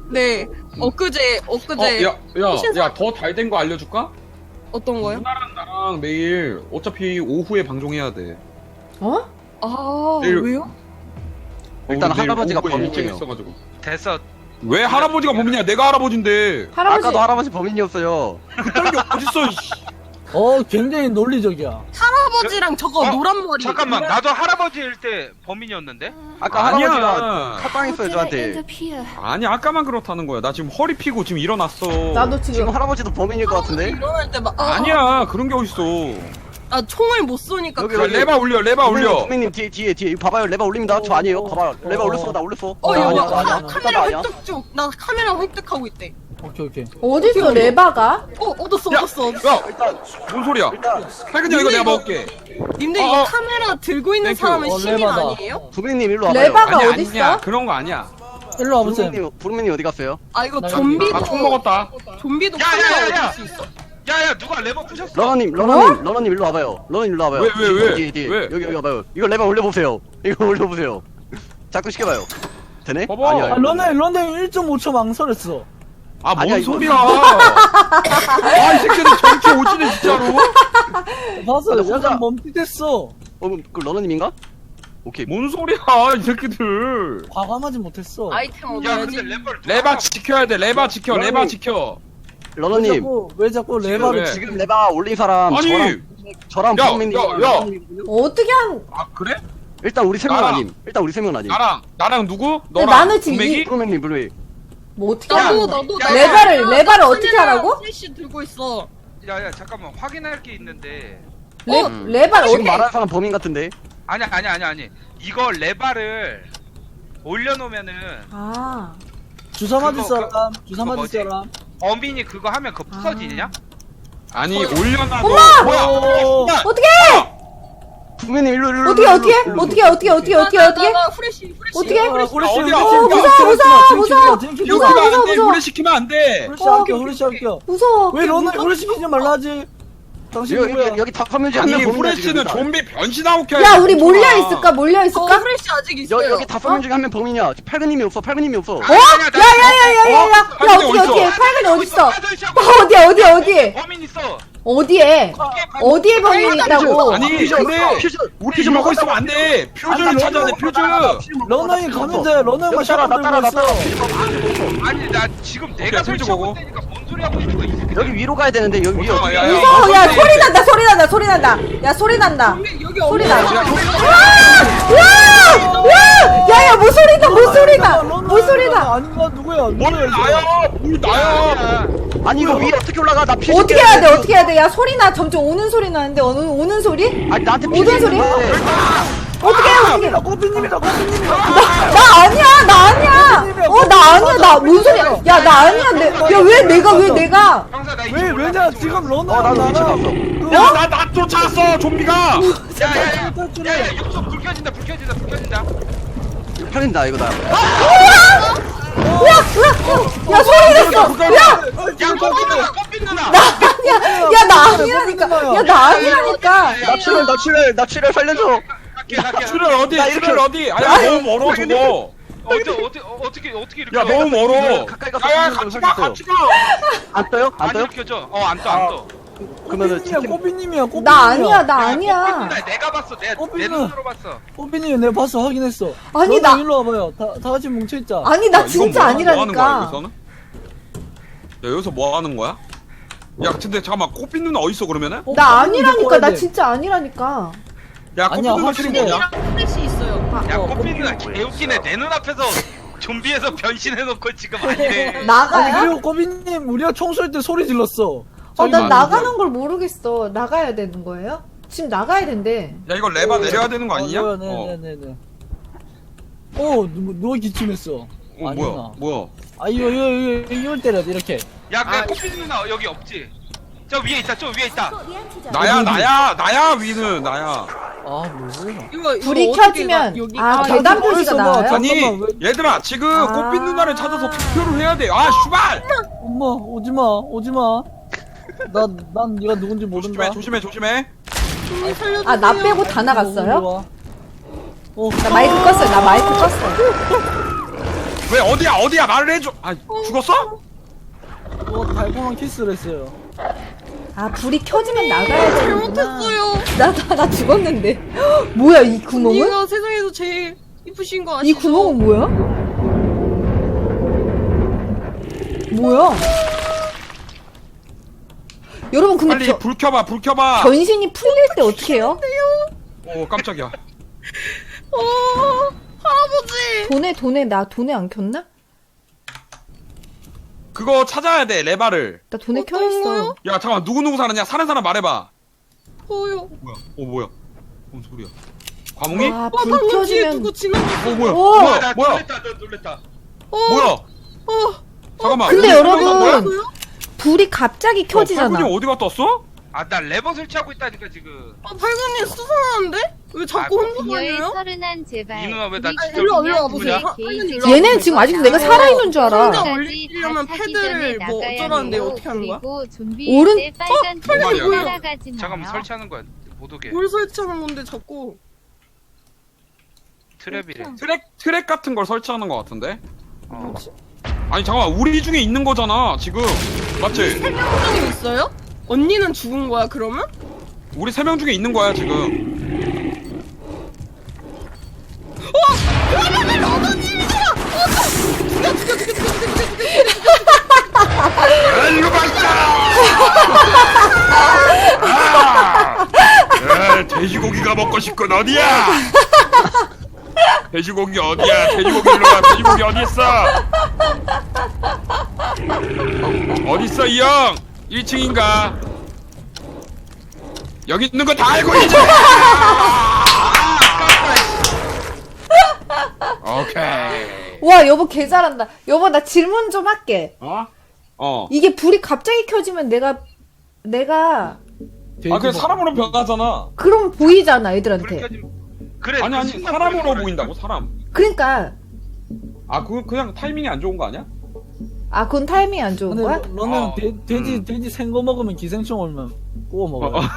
[SPEAKER 6] 네. 엊그제
[SPEAKER 1] 어,
[SPEAKER 6] 엊그제
[SPEAKER 1] 야, 야, 야, 더 잘 된 거 알려줄까?
[SPEAKER 6] 어떤 거요?
[SPEAKER 1] 누나랑 나랑 매일 어차피 오후에 방송해야 돼.
[SPEAKER 3] 어?
[SPEAKER 6] 아
[SPEAKER 1] 내일-
[SPEAKER 6] 왜요?
[SPEAKER 7] 일단
[SPEAKER 1] 어, 내일
[SPEAKER 7] 할아버지가
[SPEAKER 1] 오후에
[SPEAKER 7] 범인이에요.
[SPEAKER 1] 일찍 있어가지고.
[SPEAKER 2] 됐어.
[SPEAKER 1] 왜 할아버지가 범인이야? 내가 할아버지인데.
[SPEAKER 3] 할아버지.
[SPEAKER 7] 아까도 할아버지 범인이었어요.
[SPEAKER 1] 그딴 게 어딨어, 이씨.
[SPEAKER 5] 어 굉장히 논리적이야.
[SPEAKER 6] 할아버지랑 저거
[SPEAKER 2] 어?
[SPEAKER 6] 노란 머리.
[SPEAKER 2] 잠깐만, 나도 할아버지일 때 범인이었는데?
[SPEAKER 7] 아까
[SPEAKER 1] 아니야.
[SPEAKER 7] 할아버지가 칼빵했어요 저한테.
[SPEAKER 1] 아니, 아까만 그렇다는 거야. 나 지금 허리 피고 지금 일어났어.
[SPEAKER 3] 나도
[SPEAKER 7] 지금
[SPEAKER 3] 지금.
[SPEAKER 7] 할아버지도 범인일 것 같은데?
[SPEAKER 6] 일어날 때막 아,
[SPEAKER 1] 아니야, 그런 게 어딨어.
[SPEAKER 6] 아 총을 못 쏘니까.
[SPEAKER 7] 여기,
[SPEAKER 1] 야,
[SPEAKER 7] 여기.
[SPEAKER 1] 레바 올려, 레바 올려.
[SPEAKER 7] 선배님 뒤에 뒤에 뒤에 이거 봐봐요 레바 올립니다. 저 아니에요. 봐봐요 레바
[SPEAKER 5] 어.
[SPEAKER 7] 올렸어 나 올렸어.
[SPEAKER 6] 어
[SPEAKER 5] 어,
[SPEAKER 6] 여보
[SPEAKER 5] 아니야,
[SPEAKER 6] 카-
[SPEAKER 5] 아니야, 아니야.
[SPEAKER 6] 카메라
[SPEAKER 7] 아니야?
[SPEAKER 6] 획득 중. 나 카메라 획득하고 있대.
[SPEAKER 5] 오케이 오케이.
[SPEAKER 3] 어딨어, 레바가?
[SPEAKER 6] 어 얻었어
[SPEAKER 1] 야,
[SPEAKER 6] 얻었어.
[SPEAKER 1] 야, 뭔 소리야?
[SPEAKER 7] 일단
[SPEAKER 1] 할근이 이거 내가
[SPEAKER 6] 이거-
[SPEAKER 1] 먹을게.
[SPEAKER 6] 님들
[SPEAKER 1] 어,
[SPEAKER 6] 이거
[SPEAKER 1] 어.
[SPEAKER 6] 카메라 들고 있는
[SPEAKER 1] 땡큐.
[SPEAKER 6] 사람은
[SPEAKER 5] 어,
[SPEAKER 6] 시민
[SPEAKER 5] 레바다.
[SPEAKER 6] 아니에요?
[SPEAKER 7] 부민님 일로 와봐요.
[SPEAKER 3] 레바가
[SPEAKER 1] 아니,
[SPEAKER 3] 어딨어?
[SPEAKER 1] 아니야. 그런 거 아니야.
[SPEAKER 5] 일로 와보세요.
[SPEAKER 7] 부민님 부민님 어디 갔어요?
[SPEAKER 6] 아 이거
[SPEAKER 5] 나
[SPEAKER 6] 좀비도
[SPEAKER 1] 아, 총 먹었다.
[SPEAKER 6] 좀비도
[SPEAKER 2] 야, 야, 야,
[SPEAKER 6] 카메라
[SPEAKER 2] 야.
[SPEAKER 6] 얻을 수 있어?
[SPEAKER 2] 야야, 누가 레버 부셨어?
[SPEAKER 7] 러너님 러너님 러너님 일로 와봐요. 러너님 일로 와봐요.
[SPEAKER 1] 왜, 왜, 왜?
[SPEAKER 7] 뒤에 뒤에
[SPEAKER 1] 왜?
[SPEAKER 7] 여기 여기 와봐요. 이거 레바 올려보세요. 이거 올려보세요. 자꾸 시켜봐요. 되네?
[SPEAKER 1] 봐봐.
[SPEAKER 7] 아니야.
[SPEAKER 5] 아 런던 런던 일 점 오 초 망설였어.
[SPEAKER 1] 아, 뭔
[SPEAKER 7] 아니야, 이거-
[SPEAKER 1] 소리야. 아, 이 새끼들 정치 오지네, 진짜로.
[SPEAKER 5] 봤어.
[SPEAKER 7] 근데 혼자-
[SPEAKER 5] 약간 멈칫했어.
[SPEAKER 7] 어, 그럼 그 러너님인가? 오케이.
[SPEAKER 1] 뭔 소리야, 이 새끼들.
[SPEAKER 5] 과감하지 못했어.
[SPEAKER 6] 아이템
[SPEAKER 2] 야,
[SPEAKER 6] 얻어야지.
[SPEAKER 2] 근데 레버를
[SPEAKER 1] 레바 지켜야 돼, 레바 지켜, 레바 지켜.
[SPEAKER 5] 왜
[SPEAKER 7] 러너님
[SPEAKER 5] 자꾸 왜 자꾸 레바를
[SPEAKER 1] 왜?
[SPEAKER 5] 지-
[SPEAKER 7] 지금 레바 올린 사람
[SPEAKER 1] 아니.
[SPEAKER 7] 저랑 저랑
[SPEAKER 1] 야,
[SPEAKER 7] 부민님
[SPEAKER 1] 야, 야.
[SPEAKER 3] 어떻게 한.
[SPEAKER 1] 아, 그래?
[SPEAKER 7] 일단 우리 세 명
[SPEAKER 1] 나랑.
[SPEAKER 7] 아님. 일단 우리 세 명 아님.
[SPEAKER 1] 나랑, 나랑 누구? 너랑.
[SPEAKER 3] 나는 지금
[SPEAKER 1] 분명히?
[SPEAKER 3] 이-
[SPEAKER 7] 부민님 블루이.
[SPEAKER 3] 뭐 어떻게
[SPEAKER 6] 나도
[SPEAKER 3] 한.
[SPEAKER 6] 나도
[SPEAKER 2] 야,
[SPEAKER 6] 나
[SPEAKER 3] 레바를,
[SPEAKER 6] 카메라,
[SPEAKER 3] 레바를 어떻게
[SPEAKER 6] 카메라
[SPEAKER 3] 하라고?
[SPEAKER 6] 플래시 들고 있어.
[SPEAKER 2] 야야, 잠깐만, 확인할 게 있는데.
[SPEAKER 3] 레,
[SPEAKER 7] 음.
[SPEAKER 3] 레바를
[SPEAKER 7] 지금
[SPEAKER 3] 어떻게.
[SPEAKER 7] 말하는 사람 범인 같은데.
[SPEAKER 2] 아니 아니 아니 아니. 이거 레바를 올려놓으면은
[SPEAKER 3] 아.
[SPEAKER 5] 주사 맞을
[SPEAKER 2] 그거,
[SPEAKER 5] 사람, 주사
[SPEAKER 2] 그거
[SPEAKER 5] 맞을
[SPEAKER 2] 뭐지?
[SPEAKER 5] 사람.
[SPEAKER 2] 어민이 그거 하면 그거 부서지냐?
[SPEAKER 1] 아니, 올려놔도.
[SPEAKER 3] 엄마!
[SPEAKER 1] 뭐야?
[SPEAKER 5] 어.
[SPEAKER 1] 야,
[SPEAKER 3] 어떻게
[SPEAKER 7] 부민님 일로 일로.
[SPEAKER 3] 어떻게,
[SPEAKER 7] 일로,
[SPEAKER 3] 어떻게?
[SPEAKER 7] 일로, 일로.
[SPEAKER 3] 어떻게, 어떻게, 어떻게, 어떻게,
[SPEAKER 6] 나,
[SPEAKER 3] 어떻게?
[SPEAKER 6] 나, 나 후레쉬 후레쉬.
[SPEAKER 3] 어떻게?
[SPEAKER 5] 아, 후레쉬,
[SPEAKER 1] 어디야?
[SPEAKER 5] 후레쉬,
[SPEAKER 1] 어,
[SPEAKER 5] 후레쉬,
[SPEAKER 3] 무서워,
[SPEAKER 5] 후레쉬,
[SPEAKER 3] 무서워,
[SPEAKER 5] 후레쉬,
[SPEAKER 3] 무서워.
[SPEAKER 5] 후레쉬,
[SPEAKER 1] 이거
[SPEAKER 3] 무서워,
[SPEAKER 1] 키면 안
[SPEAKER 3] 무서워,
[SPEAKER 1] 돼.
[SPEAKER 3] 무서워.
[SPEAKER 1] 오래 시키면 안 돼.
[SPEAKER 5] 후레쉬
[SPEAKER 6] 어,
[SPEAKER 5] 할게요,
[SPEAKER 6] 오케이,
[SPEAKER 5] 후레쉬
[SPEAKER 6] 오케이.
[SPEAKER 5] 할게요.
[SPEAKER 3] 무서워.
[SPEAKER 5] 왜 런던 후레쉬 피지 말라지? 당신
[SPEAKER 7] 여기
[SPEAKER 5] 누구야?
[SPEAKER 7] 여기, 여기 다섯 명 중에
[SPEAKER 1] 아니,
[SPEAKER 7] 한명 범인이야 지금.
[SPEAKER 1] 후레쉬는
[SPEAKER 7] 일단.
[SPEAKER 1] 좀비 변신하고 켜야
[SPEAKER 3] 야,
[SPEAKER 1] 돼,
[SPEAKER 3] 우리
[SPEAKER 1] 멍청아.
[SPEAKER 3] 몰려 있을까? 몰려
[SPEAKER 6] 어
[SPEAKER 3] 있을까?
[SPEAKER 6] 후레쉬 아직 있어요.
[SPEAKER 7] 여, 여기 다섯 명 중에 한 명 범인이야. 팔근님이 없어. 팔근님이 없어.
[SPEAKER 3] 어? 야야야야야야! 야, 야, 어떻게, 어떻게? 팔근이 어딨어? 어, 어디야, 어디야, 어디?
[SPEAKER 2] 범인 있어.
[SPEAKER 3] 어디에? 어디에 범인이 있다고?
[SPEAKER 1] 아니,
[SPEAKER 7] 퓨즈,
[SPEAKER 1] 근데
[SPEAKER 7] 퓨즈,
[SPEAKER 1] 우리
[SPEAKER 7] 퓨즈
[SPEAKER 1] 이러고
[SPEAKER 7] 먹었다고.
[SPEAKER 1] 있으면 안 돼. 퓨즈를 찾아야 돼, 퓨즈.
[SPEAKER 5] 런던이 가면 돼. 런던만
[SPEAKER 7] 여기 따라, 나
[SPEAKER 5] 샷건
[SPEAKER 7] 따라,
[SPEAKER 5] 들고
[SPEAKER 7] 나
[SPEAKER 5] 있어.
[SPEAKER 7] 따라.
[SPEAKER 2] 아니 나 지금 내가
[SPEAKER 1] 오케이,
[SPEAKER 2] 설치하고
[SPEAKER 1] 퓨즈
[SPEAKER 2] 있다니까 뭔 소리 하고 있는 거야 이 새끼.
[SPEAKER 7] 여기 위로 가야 되는데 여기 위에
[SPEAKER 1] 야,
[SPEAKER 7] 어떻게?
[SPEAKER 1] 야, 야.
[SPEAKER 3] 무서워, 야,
[SPEAKER 1] 어디?
[SPEAKER 3] 소리 난다, 소리 난다, 소리 난다. 야, 소리 난다.
[SPEAKER 6] 여기 여기
[SPEAKER 3] 소리
[SPEAKER 6] 없네.
[SPEAKER 3] 나. 야! 야! 야, 야, 뭐 소리다, 뭐 소리다. 뭐 소리다.
[SPEAKER 5] 아닌가 누구야?
[SPEAKER 1] 뭘
[SPEAKER 5] 누구야?
[SPEAKER 1] 나야? 뭘 나야?
[SPEAKER 7] 아니 이거 위에 어떻게 올라가? 나 퓨즈.
[SPEAKER 3] 어떻게 해야 돼, 어떻게 해야 돼? 야, 소리 나. 점점 오는 소리 나는데, 오는, 오는 소리?
[SPEAKER 7] 아니 나한테
[SPEAKER 3] 모든
[SPEAKER 7] 퓨즈
[SPEAKER 3] 소리?
[SPEAKER 7] 있는데.
[SPEAKER 3] 어떻게 해, 어떻게 해.
[SPEAKER 5] 꼬피님이다, 꼬피님이다.
[SPEAKER 3] 나, 나 아니야, 나 아니야. 어, 나 아니야, 나, 뭔 소리야. 야, 나 아니야. 내, 야, 왜 내가, 왜 내가.
[SPEAKER 2] 형사 나
[SPEAKER 5] 왜 왜냐 지금 런던
[SPEAKER 7] 어 나도 위치 봤어.
[SPEAKER 1] 야, 나, 나 쫓아왔어, 좀비가.
[SPEAKER 2] 야야야.
[SPEAKER 5] 탈출해.
[SPEAKER 2] 야야 육성 불 켜진다 불 켜진다 불 켜진다.
[SPEAKER 7] 팔린다 이거다.
[SPEAKER 3] 야, 야, 야, 소리 냈어. 야,
[SPEAKER 2] 야 꽃빛 누나 꽃빛 누나.
[SPEAKER 3] 나 아니야. 야, 나 아니라니까. 야, 나 아니라니까.
[SPEAKER 7] 나 출혈 나 출혈 나 출혈 살려줘.
[SPEAKER 2] 갈게 갈게.
[SPEAKER 1] 출혈 어디?
[SPEAKER 7] 나 이렇게-
[SPEAKER 1] 출혈 어디? 아니, 너무 멀어, 저거.
[SPEAKER 2] 어떻게 어떻게 어떻게 어떻게 이렇게?
[SPEAKER 1] 야, 너무 멀어.
[SPEAKER 7] 가까이 가서
[SPEAKER 1] 야, 야,
[SPEAKER 7] 퓨즈
[SPEAKER 1] 같이 가,
[SPEAKER 7] 살렸어요.
[SPEAKER 1] 같이 가.
[SPEAKER 7] 안 떠요? 안
[SPEAKER 2] 안
[SPEAKER 7] 떠요?
[SPEAKER 2] 켜져. 어안 떠 안 떠.
[SPEAKER 7] 그러면은
[SPEAKER 5] 꼬피님이야, 꼬피님이야, 꼬피님이야.
[SPEAKER 3] 나 아니야, 나
[SPEAKER 2] 야, 꽃빛
[SPEAKER 3] 아니야.
[SPEAKER 2] 누나 내가 봤어. 내
[SPEAKER 5] 꽃빛
[SPEAKER 2] 내
[SPEAKER 5] 누나.
[SPEAKER 2] 눈으로 봤어.
[SPEAKER 5] 꼬피님 내가 봤어, 확인했어.
[SPEAKER 3] 아니,
[SPEAKER 5] 런던
[SPEAKER 3] 나-
[SPEAKER 5] 일로 와봐요. 다, 다 같이 뭉쳐있자.
[SPEAKER 3] 아니, 나
[SPEAKER 1] 야, 이건
[SPEAKER 3] 진짜
[SPEAKER 1] 뭐, 뭐 하는 거야,
[SPEAKER 3] 아니라니까.
[SPEAKER 1] 여기서는? 야, 여기서 뭐 하는 거야? 야, 근데 잠깐만, 꽃빛 누나 어딨어, 그러면은?
[SPEAKER 5] 어,
[SPEAKER 3] 나
[SPEAKER 5] 꼬피님
[SPEAKER 3] 아니라니까.
[SPEAKER 5] 데리고
[SPEAKER 3] 나
[SPEAKER 5] 와야 돼.
[SPEAKER 3] 진짜 아니라니까.
[SPEAKER 1] 야, 꽃빛
[SPEAKER 5] 아니야,
[SPEAKER 1] 누나 지금
[SPEAKER 5] 확실해.
[SPEAKER 1] 뭐냐?
[SPEAKER 6] 이랑 플래시 있어요.
[SPEAKER 2] 야
[SPEAKER 5] 어,
[SPEAKER 2] 꽃빛 누나 개웃기네. 내 눈앞에서 좀비에서 변신해놓고 지금 아니래.
[SPEAKER 5] 아니
[SPEAKER 3] 나가야?
[SPEAKER 5] 그리고 꼬비님 우리가 총 쏠 때 소리 질렀어.
[SPEAKER 3] 어, 난
[SPEAKER 1] 많은데.
[SPEAKER 3] 나가는 걸 모르겠어. 나가야 되는 거예요? 지금 나가야 된대.
[SPEAKER 1] 야, 이거 레바 내려야 되는 거 아니냐?
[SPEAKER 5] 어,
[SPEAKER 1] 어,
[SPEAKER 5] 네네네네. 어, 누, 누가 기침했어.
[SPEAKER 1] 어,
[SPEAKER 5] 아니구나.
[SPEAKER 1] 뭐야, 뭐야.
[SPEAKER 5] 아 이거 이거 이거 이걸 때려 이렇게.
[SPEAKER 2] 야 그 꽃빛 누나 여기 없지? 저 위에 있다. 저 위에 있다.
[SPEAKER 1] 나야, 나야, 나야, 위는, 나야.
[SPEAKER 5] 아 뭐야?
[SPEAKER 6] 이거 이거
[SPEAKER 3] 불이
[SPEAKER 6] 어떻게
[SPEAKER 3] 켜지면
[SPEAKER 6] 가- 여기
[SPEAKER 3] 아,
[SPEAKER 6] 아,
[SPEAKER 3] 계단
[SPEAKER 5] 어디서
[SPEAKER 3] 표시가
[SPEAKER 5] 봐.
[SPEAKER 3] 나와요?
[SPEAKER 1] 아니,
[SPEAKER 5] 잠깐만,
[SPEAKER 1] 얘들아, 지금
[SPEAKER 3] 아.
[SPEAKER 1] 꽃빛 누나를 찾아서 투표를 해야 돼. 아, 슈발!
[SPEAKER 5] 엄마 오지마 오지마. 나난 네가 누군지 모른다.
[SPEAKER 1] 조심해, 조심해, 조심해.
[SPEAKER 6] 좀비 살려주세요.
[SPEAKER 3] 아, 나 빼고 다
[SPEAKER 5] 어,
[SPEAKER 3] 나갔어요?
[SPEAKER 5] 어,
[SPEAKER 3] 나 마이크 껐어요. 나 마이크 껐어.
[SPEAKER 1] 왜 어디야 어디야 말을 해줘. 아 죽었어?
[SPEAKER 5] 어 달콤한 키스를 했어요.
[SPEAKER 3] 아 불이 켜지면 나가야 되는구나.
[SPEAKER 6] 잘못했어요.
[SPEAKER 3] 나, 나, 나 죽었는데. 뭐야 이 구멍은?
[SPEAKER 6] 언니가 세상에서 제일 이쁘신 거
[SPEAKER 3] 이
[SPEAKER 6] 아시죠?
[SPEAKER 3] 구멍은 뭐야? 뭐야? 여러분 근데
[SPEAKER 1] 빨리
[SPEAKER 3] 겨,
[SPEAKER 1] 불 켜봐 불 켜봐.
[SPEAKER 3] 변신이 풀릴 때 어떻게 해요?
[SPEAKER 1] 오 깜짝이야.
[SPEAKER 6] 어, 할아버지.
[SPEAKER 3] 돈에 돈에 나 돈에 안 켰나?
[SPEAKER 1] 그거 찾아야 돼 레바를.
[SPEAKER 3] 나 돈에
[SPEAKER 6] 어떤
[SPEAKER 3] 켜있어.
[SPEAKER 6] 거요?
[SPEAKER 1] 야 잠깐만 누구 누구 사느냐 사는 사람 말해봐.
[SPEAKER 6] 뭐요?
[SPEAKER 1] 뭐야? 어 뭐야? 뭔 소리야? 과몽이?
[SPEAKER 3] 아,
[SPEAKER 6] 와,
[SPEAKER 3] 불
[SPEAKER 6] 방금 뒤에
[SPEAKER 3] 켜지면
[SPEAKER 6] 누구 지나갔어.
[SPEAKER 1] 어 뭐야?
[SPEAKER 3] 오!
[SPEAKER 1] 뭐야?
[SPEAKER 2] 나
[SPEAKER 1] 뭐야?
[SPEAKER 2] 놀랬다 너 놀랬다.
[SPEAKER 6] 어,
[SPEAKER 1] 뭐야?
[SPEAKER 6] 어,
[SPEAKER 1] 잠깐만.
[SPEAKER 3] 근데
[SPEAKER 1] 어디
[SPEAKER 3] 여러분,
[SPEAKER 1] 들어간 거야?
[SPEAKER 3] 불이 갑자기 켜지잖아.
[SPEAKER 1] 팔분이 어디 갔다 왔어?
[SPEAKER 2] 아 나 레버 설치하고 있다니까 지금.
[SPEAKER 6] 아, 발근이 수상한데? 왜 자꾸
[SPEAKER 2] 아,
[SPEAKER 6] 혼자
[SPEAKER 4] 비어의
[SPEAKER 6] 다녀요?
[SPEAKER 4] 서른한 제발.
[SPEAKER 2] 이 누나 왜나
[SPEAKER 4] 우리
[SPEAKER 2] 진짜
[SPEAKER 6] 일로 와, 일로 와
[SPEAKER 4] 그냥
[SPEAKER 6] 보세요.
[SPEAKER 4] 제
[SPEAKER 6] 아,
[SPEAKER 4] 게이지
[SPEAKER 6] 빨리
[SPEAKER 3] 얘는 지금 아직도 내가 살아있는 줄 알아.
[SPEAKER 6] 혼자 올리려면 패드를 뭐 어쩌라는데 어떻게 하는 거야?
[SPEAKER 4] 그리고 좀비
[SPEAKER 3] 오른-
[SPEAKER 4] 때 빨간
[SPEAKER 1] 빨리
[SPEAKER 4] 불이
[SPEAKER 1] 뭐야?
[SPEAKER 4] 따라가지
[SPEAKER 2] 잠깐만
[SPEAKER 4] 마요.
[SPEAKER 2] 설치하는 거야. 못 오게.
[SPEAKER 6] 뭘 설치하는 건데 자꾸.
[SPEAKER 2] 트랩이래.
[SPEAKER 1] 트랙 트랙 같은 걸 설치하는 것 같은데?
[SPEAKER 2] 어.
[SPEAKER 1] 아니 잠깐만 우리 중에 있는 거잖아 지금 맞지?
[SPEAKER 6] 생명증이 있어요? 언니는 죽은 거야 그러면?
[SPEAKER 1] 우리 세 명 중에 있는 거야 지금. 일로 가자! 아! 아, 돼지고기가 먹고 싶군 어디야? 돼지고기 어디야? 돼지고기 일로 와. 돼지고기 어디 있어? 어, 어디 있어 이 형? 일 층인가? 여기 있는 거 다 알고 있지? 오케이.
[SPEAKER 3] 와 여보 개 잘한다. 여보 나 질문 좀 할게.
[SPEAKER 1] 어? 어.
[SPEAKER 3] 이게 불이 갑자기 켜지면 내가 내가
[SPEAKER 1] 아, 그래 사람으로 변하잖아.
[SPEAKER 3] 그럼 보이잖아
[SPEAKER 2] 불
[SPEAKER 3] 애들한테.
[SPEAKER 2] 켜지면 그래.
[SPEAKER 1] 아니
[SPEAKER 2] 그
[SPEAKER 1] 아니
[SPEAKER 2] 순간
[SPEAKER 1] 사람으로
[SPEAKER 2] 보이는
[SPEAKER 1] 보인다고 사람.
[SPEAKER 3] 그러니까
[SPEAKER 1] 아, 그 그냥 타이밍이 안 좋은 거 아니야?
[SPEAKER 3] 아 그건 타이밍이 안 좋은
[SPEAKER 5] 근데
[SPEAKER 3] 거야?
[SPEAKER 5] 너는
[SPEAKER 1] 어,
[SPEAKER 5] 돼, 돼지
[SPEAKER 1] 음.
[SPEAKER 5] 돼지 생거 먹으면 기생충 오면 구워 먹어요.
[SPEAKER 1] 어, 어.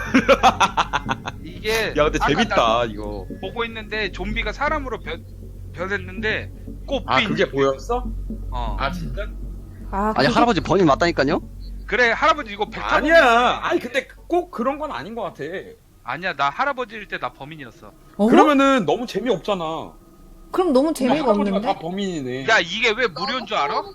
[SPEAKER 2] 이게
[SPEAKER 1] 야 근데
[SPEAKER 2] 아까
[SPEAKER 1] 재밌다
[SPEAKER 2] 나
[SPEAKER 1] 이거.
[SPEAKER 2] 보고 있는데 좀비가 사람으로 변 변했는데 꽃
[SPEAKER 1] 아
[SPEAKER 2] 핀.
[SPEAKER 1] 그게 보였어?
[SPEAKER 2] 어.
[SPEAKER 1] 아 진짜?
[SPEAKER 3] 아
[SPEAKER 7] 아니
[SPEAKER 3] 그게-
[SPEAKER 7] 할아버지 번이 맞다니까요?
[SPEAKER 2] 그래 할아버지 이거 백타
[SPEAKER 1] 아니야. 아니 근데 꼭 그런 건 아닌 것 같아.
[SPEAKER 2] 아니야 나 할아버지일 때 나 범인이었어.
[SPEAKER 3] 어?
[SPEAKER 1] 그러면은 너무 재미없잖아.
[SPEAKER 3] 그럼 너무
[SPEAKER 1] 근데
[SPEAKER 3] 재미가
[SPEAKER 1] 할아버지가
[SPEAKER 3] 없는데?
[SPEAKER 1] 다 범인이네.
[SPEAKER 2] 야 이게 왜 무료인 줄 알아?